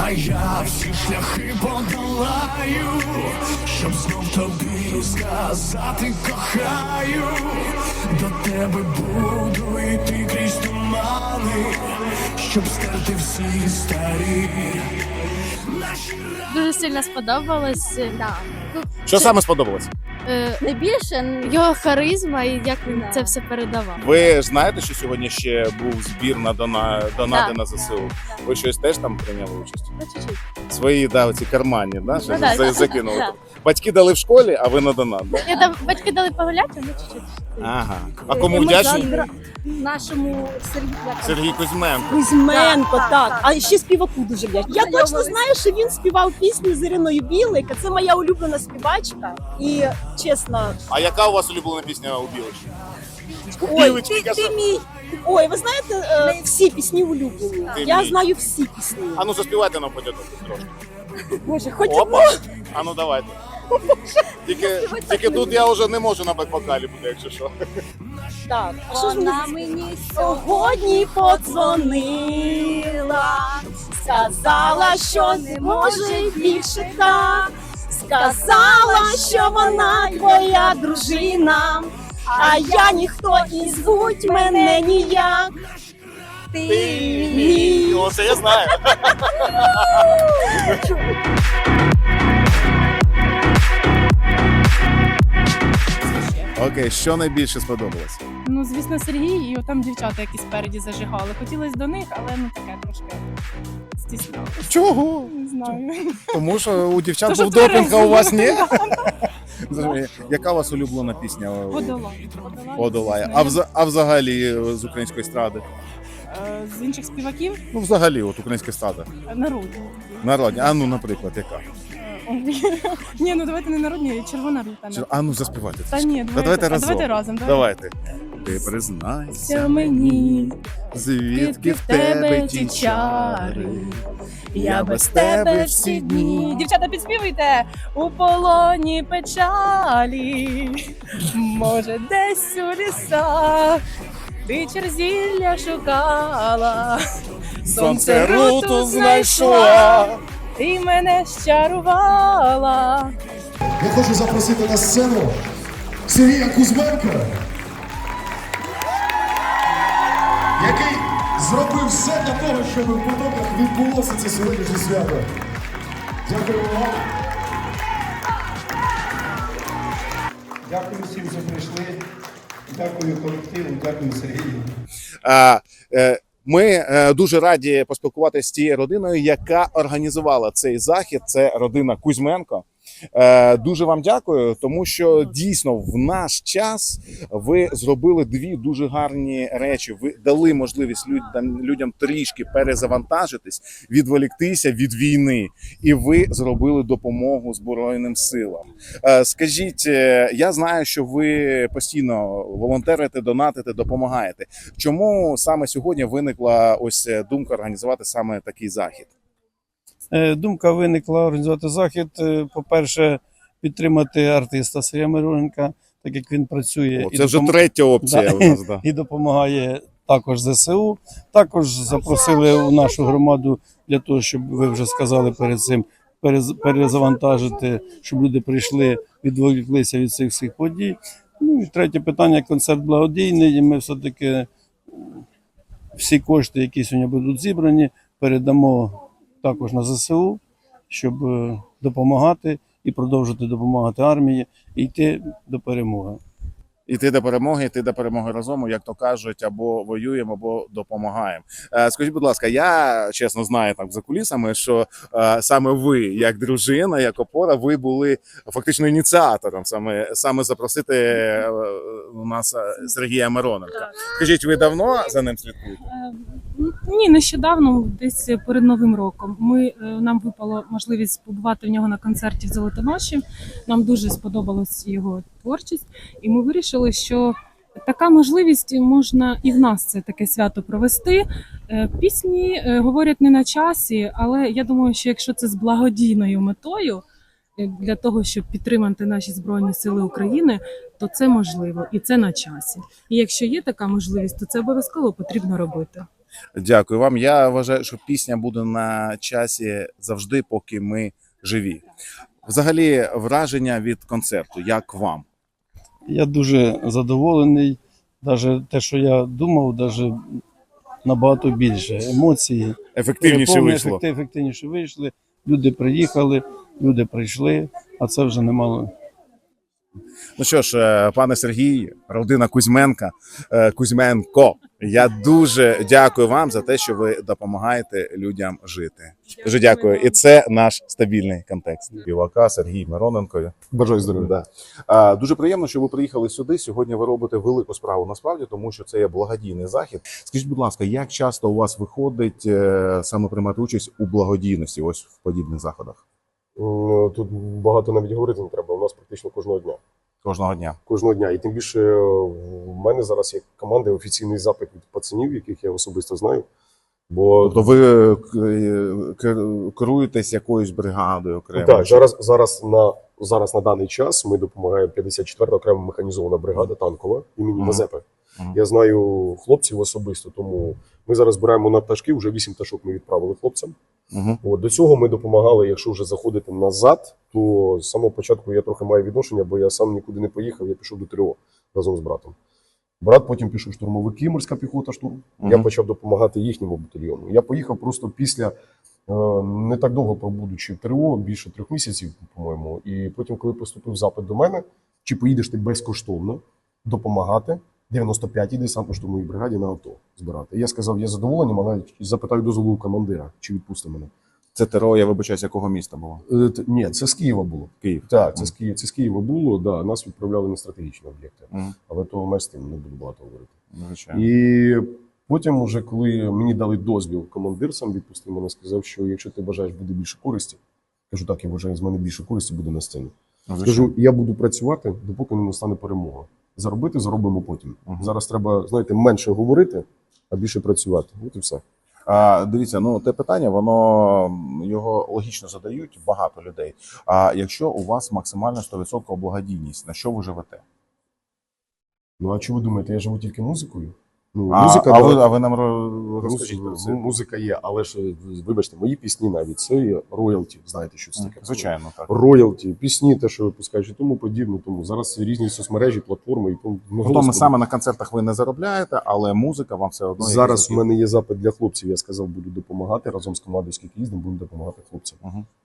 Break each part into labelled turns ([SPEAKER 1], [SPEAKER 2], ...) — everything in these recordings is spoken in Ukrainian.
[SPEAKER 1] А я всі шляхи подолаю, щоб знов тобі сказати кохаю. До тебе буду йти крізь тумани, щоб стерти всі старі наші рани.
[SPEAKER 2] Дуже сильно сподобалось. Да.
[SPEAKER 3] Що саме сподобалось?
[SPEAKER 2] Найбільше його харизма і як він це все передавав.
[SPEAKER 3] Ви ж знаєте, що сьогодні ще був збір на донати
[SPEAKER 2] Да.
[SPEAKER 3] на ЗСУ? Ви щось теж там прийняли участь?
[SPEAKER 2] Ну, чуть-чуть.
[SPEAKER 3] Свої ці карманні, да, що
[SPEAKER 2] да.
[SPEAKER 3] закинули?
[SPEAKER 2] Да.
[SPEAKER 3] Батьки дали в школі, а ви на донат, да?
[SPEAKER 2] Я батьки дали погуляти, ну чуть-чуть.
[SPEAKER 3] Ага. А кому вдячні?
[SPEAKER 2] Нашому
[SPEAKER 3] Сергій Кузьменко.
[SPEAKER 4] Кузьменко,
[SPEAKER 2] Так,
[SPEAKER 4] так.
[SPEAKER 2] так,
[SPEAKER 4] А ще співаку дуже вдячна. Я
[SPEAKER 2] Знайомились.
[SPEAKER 4] точно знаю, що він співав пісню з Іриною Білик. Це моя улюблена співачка. І чесно,
[SPEAKER 3] А яка у вас улюблена пісня у Білочки?
[SPEAKER 4] ой,
[SPEAKER 3] Білочки,
[SPEAKER 4] ти мій. Ой, ви знаєте, всі пісні улюблені.
[SPEAKER 3] Ти
[SPEAKER 4] Я
[SPEAKER 3] мій.
[SPEAKER 4] знаю всі пісні.
[SPEAKER 3] А ну заспівайте нам потім трошки.
[SPEAKER 4] Боже, хоч
[SPEAKER 3] Опа! А ну давайте. Тільки тут я вже не можу на бек-вокалі буде, якщо що.
[SPEAKER 4] так. А що ж
[SPEAKER 2] Вона
[SPEAKER 4] мені
[SPEAKER 2] мені
[SPEAKER 4] сьогодні подзвонила, сказала, що не може більше так. Сказала, що вона твоя дружина, а я ніхто і звуть мене ніяк. Ти мій.
[SPEAKER 3] Оце я знаю. Окей, що найбільше сподобалось?
[SPEAKER 5] Ну, звісно, Сергій і там дівчата, які спереді зажигали. Хотілося до них, але ну таке трошки стіснялося.
[SPEAKER 3] Чого?
[SPEAKER 5] Не знаю.
[SPEAKER 3] Тому що у дівчат
[SPEAKER 5] То,
[SPEAKER 3] був
[SPEAKER 5] що
[SPEAKER 3] допінг, а у вас ні?
[SPEAKER 5] тверезо.
[SPEAKER 3] Зрозуміло. Яка у вас улюблена пісня?
[SPEAKER 5] Подолай.
[SPEAKER 3] Подолає.
[SPEAKER 5] звісно.
[SPEAKER 3] А взагалі з української естради?
[SPEAKER 5] З інших співаків
[SPEAKER 3] Ну, взагалі, от українська естрада.
[SPEAKER 5] народні.
[SPEAKER 3] Народні. А ну, наприклад, яка?
[SPEAKER 5] Ні, ну давайте не народні, червона рута.
[SPEAKER 3] А ну, заспівайте.
[SPEAKER 5] Та ні,
[SPEAKER 3] давайте разом.
[SPEAKER 5] Давайте разом.
[SPEAKER 3] Давайте. Ти признайся
[SPEAKER 5] Це мені,
[SPEAKER 3] звідки в тебе ті чари.
[SPEAKER 5] я без тебе всі дні. Дівчата, підспівуйте! У полоні печалі, може, десь у лісах, ти черзілля шукала,
[SPEAKER 3] Сонце руту знайшла.
[SPEAKER 5] і мене щарувала.
[SPEAKER 1] Я хочу запросити на сцену Сергія Кузьменка, який зробив все для того, щоб в Потоках відбулося це сьогоднішнє свято. Дякую вам.
[SPEAKER 6] Дякую всім, що прийшли. Дякую колективу, дякую Сергію.
[SPEAKER 3] Ми дуже раді поспілкуватися з тією родиною, яка організувала цей захід. Це родина Кузьменко. Дуже вам дякую, тому що дійсно в наш час ви зробили дві дуже гарні речі. Ви дали можливість людям трішки перезавантажитись, відволіктися від війни, і ви зробили допомогу Збройним силам. Скажіть, я знаю, що ви постійно волонтерите, донатите, допомагаєте. Чому саме сьогодні виникла ось думка організувати саме такий захід?
[SPEAKER 7] Думка виникла організувати захід. По-перше, підтримати артиста Сергія Мироненка, так як він працює
[SPEAKER 3] Це вже третя опція у нас. Да.
[SPEAKER 7] і допомагає також ЗСУ. Також запросили у нашу громаду для того, щоб ви вже сказали перед цим, перезавантажити, щоб люди прийшли, відволіклися від цих всіх подій. Ну і третє питання – концерт благодійний. І ми все-таки всі кошти, які сьогодні будуть зібрані, передамо також на ЗСУ, щоб допомагати і продовжити допомагати армії і йти до перемоги.
[SPEAKER 3] Йти до перемоги разом, як то кажуть, або воюємо, або допомагаємо. Скажіть, будь ласка, я чесно знаю так за кулісами, що саме ви, як дружина, як опора, ви були фактично ініціатором саме запросити у нас Сергія Мироненка. Скажіть, ви давно за ним слідкуєте?
[SPEAKER 5] Ні, нещодавно, десь перед Новим роком, нам випало можливість побувати в нього на концерті в Золотоноші. Нам дуже сподобалась його творчість, і ми вирішили, що така можливість можна і в нас це таке свято провести. Пісні говорять не на часі, але я думаю, що якщо це з благодійною метою, для того, щоб підтримати наші Збройні Сили України, то це можливо і це на часі. І якщо є така можливість, то це обов'язково потрібно робити.
[SPEAKER 3] Дякую вам. Я вважаю, що пісня буде на часі завжди, поки ми живі. Взагалі, враження від концерту, як вам?
[SPEAKER 7] Я дуже задоволений. Навіть те, що я думав, навіть набагато більше емоцій.
[SPEAKER 3] Ефективніше вийшло.
[SPEAKER 7] Ефективніше вийшли. Люди приїхали, люди прийшли, а це вже немало.
[SPEAKER 3] Ну що ж, пане Сергій, родина Кузьменко, я дуже дякую вам за те, що ви допомагаєте людям жити. Дуже дякую. І це наш стабільний контекст. Співака Сергій Мироненко.
[SPEAKER 1] Бажаю здоров'я.
[SPEAKER 3] Да. Дуже приємно, що ви приїхали сюди. Сьогодні ви робите велику справу насправді, тому що це є благодійний захід. Скажіть, будь ласка, як часто у вас виходить саме приймати участь у благодійності, ось в подібних заходах?
[SPEAKER 8] Тут багато навіть говорити не треба. У нас практично кожного дня.
[SPEAKER 3] Кожного дня.
[SPEAKER 8] Кожного дня. І тим більше в мене зараз є команда, офіційний запит від пацанів, яких я особисто знаю. Бо
[SPEAKER 3] Тобто ви керуєтесь якоюсь бригадою окремо?
[SPEAKER 8] так, зараз на даний час ми допомагаємо 54-та окрема механізована бригада танкова імені Мазепи. Я знаю хлопців особисто, тому ми зараз збираємо на пташки, вже 8 пташок ми відправили хлопцям. От, до цього ми допомагали, якщо вже заходити назад, то з самого початку я трохи маю відношення, бо я сам нікуди не поїхав, я пішов до ТРО разом з братом. Брат потім пішов штурмовики, морська піхота, штурм. Я почав допомагати їхньому батальйону. Я поїхав просто після, не так довго пробудучи в ТРО, більше 3 місяців, по-моєму. І потім, коли поступив запит до мене, чи поїдеш ти безкоштовно допомагати 95-й десантно-штурмовій бригаді на авто збирати. Я сказав, я задоволений, але запитаю дозволу у командира, чи відпусти мене.
[SPEAKER 3] Це ТРО, я вибачаюсь, якого міста було?
[SPEAKER 8] Ні, це з Києва було.
[SPEAKER 3] Київ.
[SPEAKER 8] Так, це з Києва було, да, нас відправляли на стратегічні об'єкти. Але то ми з тим не буду багато говорити.
[SPEAKER 3] Звичайно.
[SPEAKER 8] І потім, уже, коли мені дали дозвіл, командир сам відпустив мене, сказав, що якщо ти бажаєш буде більше користі, кажу, так, я вважаю, з мене більше користі буде на сцені. Кажу, я буду працювати, допоки не настане перемога. Заробити заробимо потім. Зараз треба, знаєте, менше говорити, а більше працювати. От і все.
[SPEAKER 3] Дивіться, ну те питання, воно його логічно задають багато людей. А якщо у вас максимально 100% благодійність, на що ви живете?
[SPEAKER 8] Ну а що ви думаєте, я живу тільки музикою? Ну,
[SPEAKER 3] А ви нам розкажіть про це.
[SPEAKER 8] Музика є, але ж, вибачте, мої пісні навіть, це є роялті, знаєте, що це таке?
[SPEAKER 3] Звичайно, так.
[SPEAKER 8] Роялті, пісні, те, що випускають, і тому подібне. Тому зараз різні соцмережі, платформи. І тому,
[SPEAKER 3] Тобто саме на концертах ви не заробляєте, але музика вам все одно...
[SPEAKER 8] Зараз в мене є запит для хлопців, я сказав, буду допомагати, разом з командою, скільки їздимо, будемо допомагати хлопцям.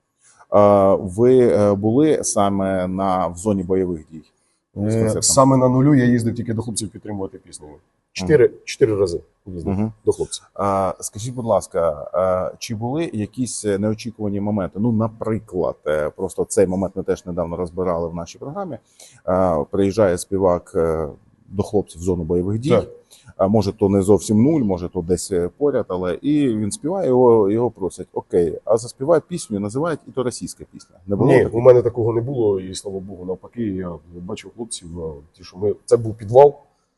[SPEAKER 3] Ви були саме в зоні бойових дій?
[SPEAKER 8] Саме на нулю я їздив тільки до хлопців підтримувати пісню. 4 рази їздив до хлопців.
[SPEAKER 3] Скажіть, будь ласка, чи були якісь неочікувані моменти? Ну, наприклад, просто цей момент ми теж недавно розбирали в нашій програмі. Приїжджає співак до хлопців в зону бойових дій.
[SPEAKER 8] Так.
[SPEAKER 3] Може, то не зовсім нуль, може, то десь поряд, але і він співає, його просять, окей, а заспівай пісню, називають, і то російська пісня. Не було?
[SPEAKER 8] Ні, у мене такого не було, і слава Богу, навпаки, я бачив хлопців, ті, що це був підвал,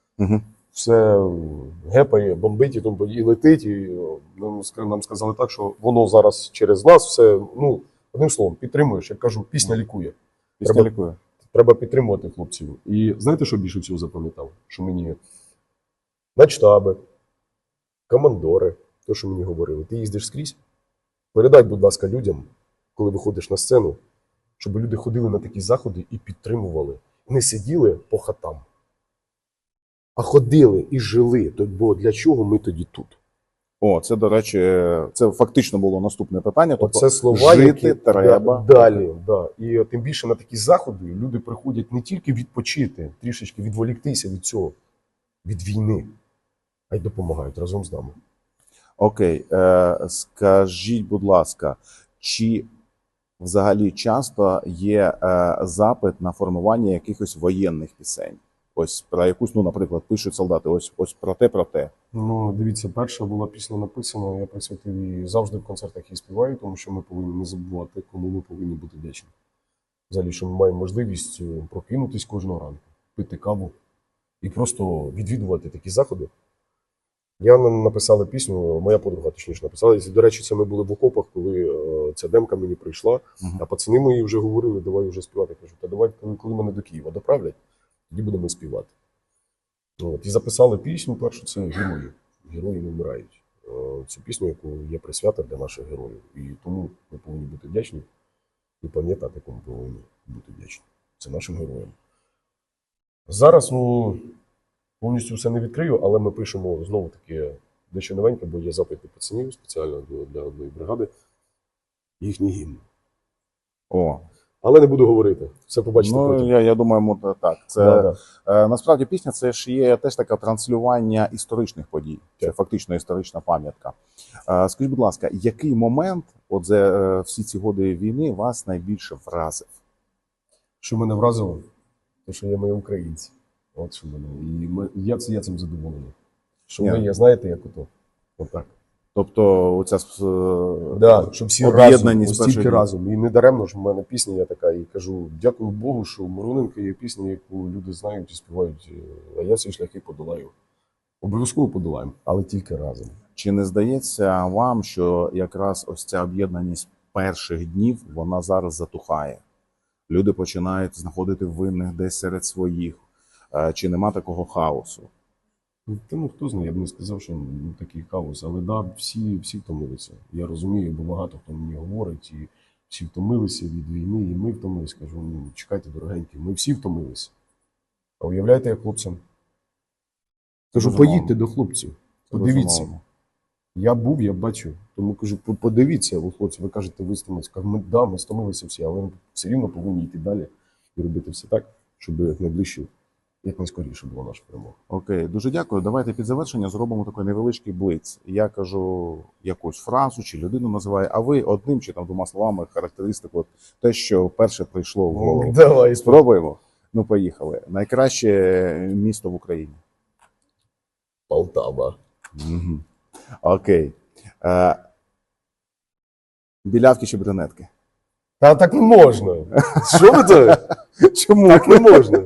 [SPEAKER 8] все гепає, бомбить і летить, і нам сказали так, що воно зараз через нас все, ну, одним словом, підтримуєш, як кажу, пісня лікує.
[SPEAKER 3] Пісня лікує.
[SPEAKER 8] Треба підтримувати хлопців. І знаєте, що більше всього запам'ятав? Що мені начштаби, командори, то, що мені говорили, ти їздиш скрізь, передай, будь ласка, людям, коли виходиш на сцену, щоб люди ходили на такі заходи і підтримували. Не сиділи по хатам, а ходили і жили. Бо для чого ми тоді тут?
[SPEAKER 3] О, це, до речі, це фактично було наступне питання. Тобто
[SPEAKER 8] це слова,
[SPEAKER 3] жити
[SPEAKER 8] які
[SPEAKER 3] треба.
[SPEAKER 8] Далі, да. І тим більше на такі заходи люди приходять не тільки відпочити, трішечки відволіктися від цього, від війни, а й допомагають разом з нами.
[SPEAKER 3] Окей, скажіть, будь ласка, чи взагалі часто є запит на формування якихось воєнних пісень? Ось про якусь, ну, наприклад, пишуть солдати, ось про те.
[SPEAKER 8] Ну, дивіться, перша була пісня написана, я присвятив її завжди в концертах її співаю, тому що ми повинні не забувати, кому ми повинні бути вдячні. Взагалі, що ми маємо можливість прокинутись кожного ранку, пити каву і просто відвідувати такі заходи. Я написала пісню, моя подруга точніше написала. І, до речі, це ми були в окопах, коли ця демка мені прийшла, а пацани мої вже говорили, давай вже співати. Я кажу, та давай, коли мене до Києва доправлять, тоді будемо співати. От. І записали пісню першу, це «Герої». Герої не вмирають. цю пісню, яку є присвята для наших героїв. І тому ми повинні бути вдячні і пам'ятати, кому повинні бути вдячні. Це нашим героям. Зараз повністю все не відкрию, але ми пишемо знову-таки дещо новеньке, бо є запит від пацанів спеціально для одної бригади. Їхній гімн.
[SPEAKER 3] О,
[SPEAKER 8] Але не буду говорити. Все побачите
[SPEAKER 3] ну
[SPEAKER 8] потім.
[SPEAKER 3] я думаю, так. Це
[SPEAKER 8] Да.
[SPEAKER 3] насправді пісня це ж є теж таке транслювання історичних подій. Це фактично історична пам'ятка. Скажіть, будь ласка, який момент, от за всі ці годи війни, вас найбільше вразив?
[SPEAKER 8] Що мене вразило, те, що є ми українці. От що мене. І я цим задоволений. Що
[SPEAKER 3] Ні.
[SPEAKER 8] ми є, знаєте, як ото. Отак.
[SPEAKER 3] Тобто, оця
[SPEAKER 8] Да, що всі
[SPEAKER 3] об'єднаність
[SPEAKER 8] разом,
[SPEAKER 3] перших
[SPEAKER 8] стільки
[SPEAKER 3] днів.
[SPEAKER 8] разом. І не даремно ж в мене пісня є така, і кажу, дякую Богу, що Мироненко є пісня, яку люди знають і співають, а я ці шляхи подолаю. Обов'язково подолаємо, але тільки разом.
[SPEAKER 3] Чи не здається вам, що якраз ось ця об'єднаність перших днів, вона зараз затухає? Люди починають знаходити винних десь серед своїх. Чи нема такого хаосу?
[SPEAKER 8] Та хто знає, я б не сказав, що такий хаос, але да, всі втомилися. Я розумію, бо багато хто мені говорить, і всі втомилися від війни, і ми втомилися. Кажу, чекайте, дорогенькі, ми всі втомилися. А уявляєте, як хлопцям? Кажу,
[SPEAKER 3] Безумовно.
[SPEAKER 8] поїдьте до хлопців, подивіться.
[SPEAKER 3] Безумовно.
[SPEAKER 8] Я був, я бачу. Тому кажу, подивіться, хлопці, ви кажете, ви стомилися. Кажу, ми стомилися всі, але ми все рівно повинні йти далі і робити все так, щоб найближче, як найскоріше була наша перемога.
[SPEAKER 3] Окей, дуже дякую. Давайте під завершення зробимо такий невеличкий блиц. Я кажу якусь фразу чи людину називаю, а ви одним чи там двома словами характеристику, от те, що перше прийшло в голову.
[SPEAKER 8] Давай,
[SPEAKER 3] Спробуємо? Ну, поїхали. Найкраще місто в Україні.
[SPEAKER 8] Полтава.
[SPEAKER 3] Угу. Окей. Білявки чи брюнетки?
[SPEAKER 8] Та так не можна. Що ви то?
[SPEAKER 3] Чому?
[SPEAKER 8] Так не можна.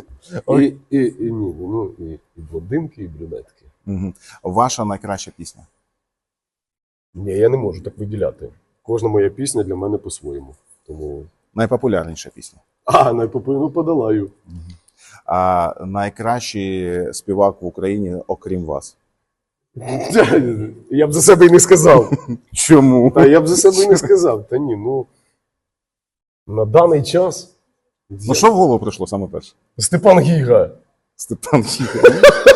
[SPEAKER 8] І блондинки, і брюнетки.
[SPEAKER 3] Угу. Ваша найкраща пісня?
[SPEAKER 8] Ні, я не можу так виділяти. Кожна моя пісня для мене по-своєму. Тому.
[SPEAKER 3] Найпопулярніша пісня?
[SPEAKER 8] Ну подолаю.
[SPEAKER 3] А найкращий співак в Україні, окрім вас?
[SPEAKER 8] Я б за себе і не сказав.
[SPEAKER 3] Чому?
[SPEAKER 8] Та я б за себе і не сказав. Та ні, на даний час.
[SPEAKER 3] Ну що в голову прийшло саме перше?
[SPEAKER 8] Степан Гіга.
[SPEAKER 3] Степан Гіга.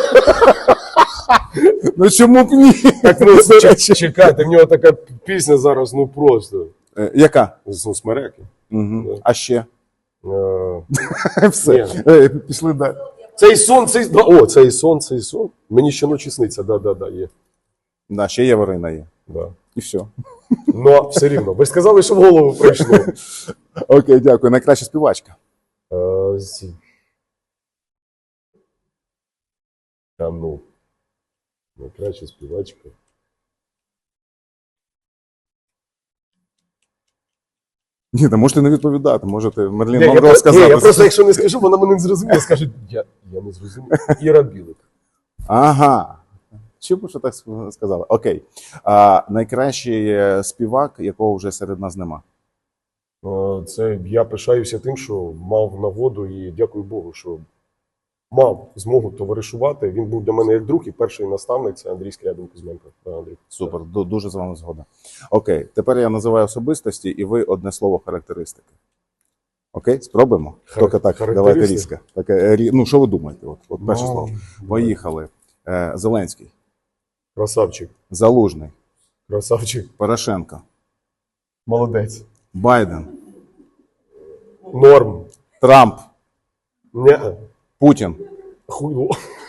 [SPEAKER 3] Ну чому б ні?
[SPEAKER 8] Так, чекайте, в нього така пісня зараз, просто.
[SPEAKER 3] Яка?
[SPEAKER 8] Смереки.
[SPEAKER 3] Угу. А ще?
[SPEAKER 8] Ні.
[SPEAKER 3] Все. Пішли далі.
[SPEAKER 8] Цей сон. Цей сон. Мені щоночі сниться, да, є.
[SPEAKER 3] Да, ще Яворина є.
[SPEAKER 8] Да.
[SPEAKER 3] І все.
[SPEAKER 8] Ну, все рівно. Ви ж сказали, що в голову прийшло.
[SPEAKER 3] Окей, дякую. Найкраща співачка.
[SPEAKER 8] Найкраща співачка.
[SPEAKER 3] Ні, та можете не відповідати. Можете Мерлін
[SPEAKER 8] Ні,
[SPEAKER 3] Монро сказати.
[SPEAKER 8] я просто, якщо не скажу, вона мене не зрозуміє. Скаже, я не зрозумів. Іра Білик.
[SPEAKER 3] Ага. Чому що так сказали? Окей. Найкращий співак, якого вже серед нас нема.
[SPEAKER 8] Це я пишаюся тим, що мав нагоду і дякую Богу, що мав змогу товаришувати. Він був для мене як друг, і перший наставник це Андрій Скрябін-Кузьменко. Андрій.
[SPEAKER 3] Супер, дуже з вами згоден. Окей, тепер я називаю особистості, і ви одне слово характеристики. Окей, спробуємо? Тільки так, давайте різко. Ну, що ви думаєте? От перше слово. Поїхали. Зеленський.
[SPEAKER 8] Красавчик.
[SPEAKER 3] Залужний.
[SPEAKER 8] Красавчик.
[SPEAKER 3] Порошенко.
[SPEAKER 8] Молодець.
[SPEAKER 3] Байден.
[SPEAKER 8] Норм.
[SPEAKER 3] Трамп.
[SPEAKER 8] Ні.
[SPEAKER 3] Путін.
[SPEAKER 8] Хуйло.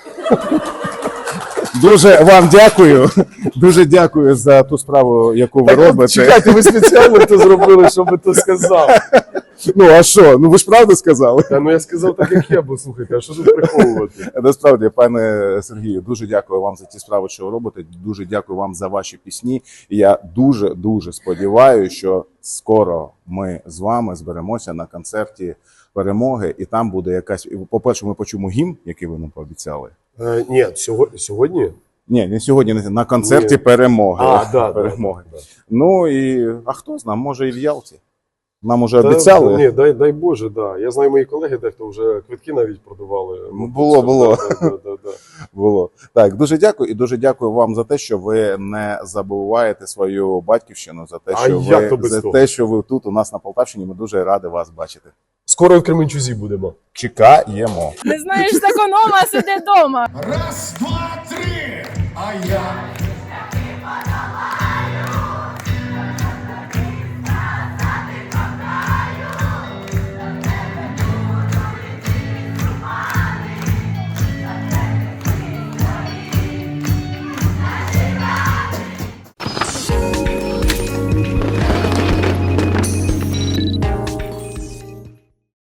[SPEAKER 3] Дуже вам дякую. Дуже дякую за ту справу, яку ви робите.
[SPEAKER 8] Чекайте, ви спеціально це зробили, щоб ви то сказав.
[SPEAKER 3] Ну, а що? Ну, ви ж правду сказали?
[SPEAKER 8] Та я сказав так, як я, бо слухайте, а що тут приховувати?
[SPEAKER 3] Насправді, пане Сергію, дуже дякую вам за ті справи, що ви робите. Дуже дякую вам за ваші пісні. І я дуже сподіваюся, що скоро ми з вами зберемося на концерті перемоги, і там буде якась. По-перше, ми почуємо гімн, який ви нам пообіцяли.
[SPEAKER 8] Ні, сьогодні?
[SPEAKER 3] Ні, не сьогодні, на концерті перемоги.
[SPEAKER 8] Да.
[SPEAKER 3] Ну і а хто знає, може і в Ялті. Нам уже обіцяли.
[SPEAKER 8] Ні, дай Боже, да. Я знаю, мої колеги дехто вже квитки навіть продавали.
[SPEAKER 3] Було.
[SPEAKER 8] Да.
[SPEAKER 3] Було. Так, дуже дякую і дуже дякую вам за те, що ви не забуваєте свою батьківщину, за те,
[SPEAKER 8] А
[SPEAKER 3] що
[SPEAKER 8] як то без того?
[SPEAKER 3] ви тут у нас на Полтавщині. Ми дуже раді вас бачити.
[SPEAKER 8] Скоро в Кременчузі будемо.
[SPEAKER 3] Чекаємо.
[SPEAKER 5] Не знаєш, з економа, сиди вдома.
[SPEAKER 1] Раз, два, три. А я